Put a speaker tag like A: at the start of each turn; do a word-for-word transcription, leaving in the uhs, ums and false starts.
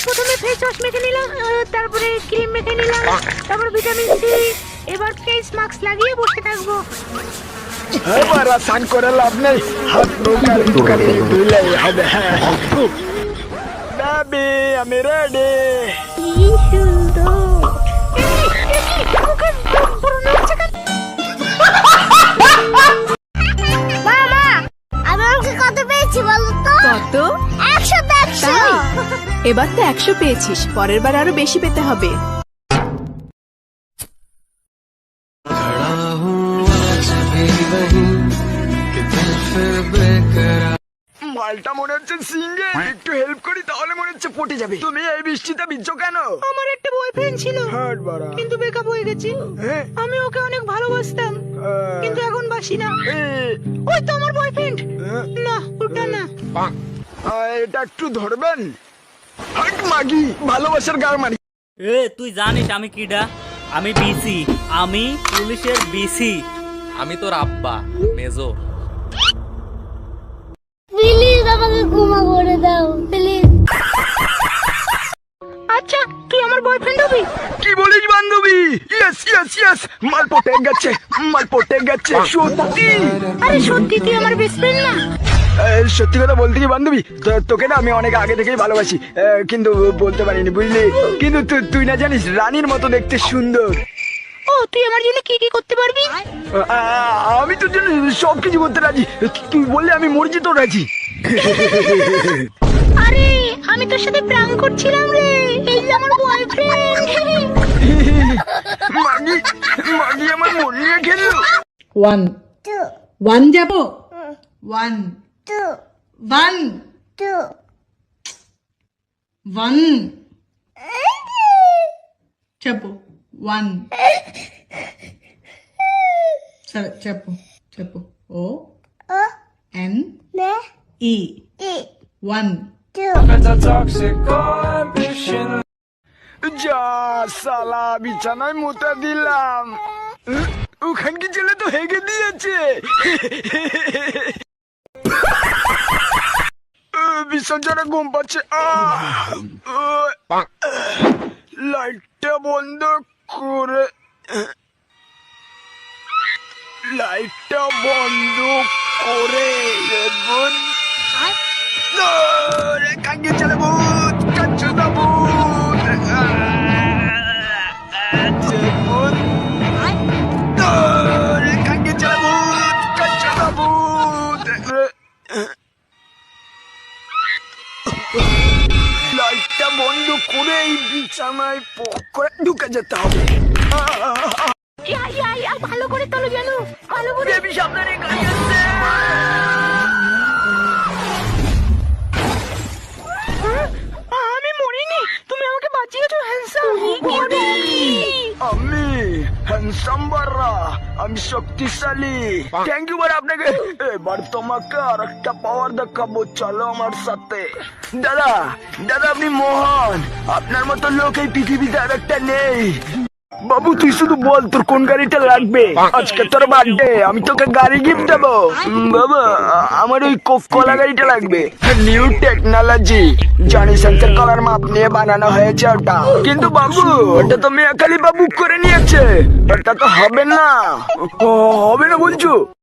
A: প্রথমে face wash মেখে নিলাম, তারপরে ক্রিম মেখে নিলাম, তারপর ভিটামিন সি। এবার ফেস মাস্ক লাগিয়ে বসে থাকবো।
B: এবার স্নান করে লাভ নেই, হাত মুখ আর মুখখানি ধুলেই হবে। বেবি আমি রেডি।
A: কি সুন্দর।
C: মামা, আমি অঙ্কে কত পেয়েছি বলো তো?
D: কত?
C: একশো তো একশো।
D: তাই? এবার তো একশো পেয়েছিস, পরের বার আরো বেশি পেতে হবে।
B: মালটা মনে হচ্ছে সিঙ্গে, একটু হেল্প করি তাহলে মনে হচ্ছে পটে যাবে। তুমি এই বৃষ্টিতে ভিজছো কেন?
A: আমার একটা বয়ফ্রেন্ড ছিল,
B: হাট বাড়া।
A: কিন্তু ব্রেকআপ হয়ে গেছে।
B: হ্যাঁ?
A: আমি ওকে অনেক ভালোবাসতাম,
B: আহ,
A: কিন্তু এখন বাসি না।
B: এ,
A: ওই তো আমার বয়ফ্রেন্ড।
B: হ্যাঁ?
A: না, ওটা না।
B: আহ, এটা একটু ধরবেন? হাট মাগি, ভালোবাসার গার মারি।
E: এ তুই জানিস আমি কিডা? আমি বিসি, আমি পুলিশের বিসি।
F: আমি তোর আব্বা মেজর।
C: প্লিজ আমাকে ক্ষমা করে দাও প্লিজ।
A: আচ্ছা, তুই আমার বয়ফ্রেন্ড হবি?
B: কি বলিস বান্ধবী? ইয়েস ইয়েস ইয়েস, মাল পটে গেছে, মাল পটে গেছে সত্যি।
A: আরে সত্যি তুই আমার বেস্ট ফ্রেন্ড না?
B: এই, সত্যি কথা বলতে কি বান্ধবী, তো- তোকে না আমি অনেক আগে থেকেই ভালোবাসি, আহ, কিন্তু বলতে পারিনি বুঝলি। কিন্তু তু- তুই না জানিস রানীর মতো দেখতে সুন্দর।
A: ও, তুই আমার জন্য কি কি করতে পারবি?
B: আহ, আমি তোর জন্য সব কিছু করতে রাজি, তুই বললে আমি মরজি তো রাজি।
A: আরে আমি তোর সাথে প্রাণ করছিলাম রে, এই যে আমার বয়ফ্রেন্ড।
B: মাগি মাগি আমার মন নিয়ে খেললো।
G: ওয়ান
C: টু
G: ওয়ান যাব one
C: two
G: one
C: two
G: one చెప్పు వన్ సరే చెప్పు చెప్పు ఓ
C: ও
G: ఎన్
C: নে
G: ఈ
C: ই
G: వన్
C: টু
B: যা সালা বিছানায় মুতে দিলাম, ওখানকি ছেলে তো হেগে দিয়েছে। ভীষণ জোরে ঘুম পাচ্ছে। লাইটটা বন্ধ করে, লাইটটা বন্ধ করে দেখুন। কাঙ্গে চলে ভূত, কাঞ্চু না ভূত। দেখুন, কাঙ্গে চলে ভূত, কাঞ্চু না ভূত। লাইটটা বন্ধ করে এই বিছানায় পক করে ঢুকে যেতে হবে।
A: ইয়া ইয়া ইয়া, ভালো করে তোলো যেন, ভালো করে।
B: বেবি সামনে গাড়ি আসছে।
A: আমি মরিনি, তুমি আমাকে বাঁচিয়েছো হ্যান্ডসাম।
B: আমি হ্যান্ডসাম বাররা, আমি শক্তিশালী। থ্যাংক ইউ বার আপনাকে। এবার তোমাকে আর একটা পাওয়ার দেখাবো, চলো আমার সাথে। দাদা দাদা আপনি মহান, আপনার মতো লোক এই পৃথিবীতে আর একটা নেই। বাবু তুই শুধু বল তোর কোন গাড়িটা লাগবে, আজকে তোর বার্থডে, আমি তোকে গাড়ি গিফট দেবো। উম, বাবা আ- আমার ওই কোফ কলা গাড়িটা লাগবে, নিউ টেকনোলজি, জনি সেন্সর কলার মাপ নিয়ে বানানো হয়েছে ওটা। কিন্তু বাবু ওটা তো মেয়াকালি বাবু করে নিয়েছে, ওটা তো হবে না। ও, হবে না বলছো?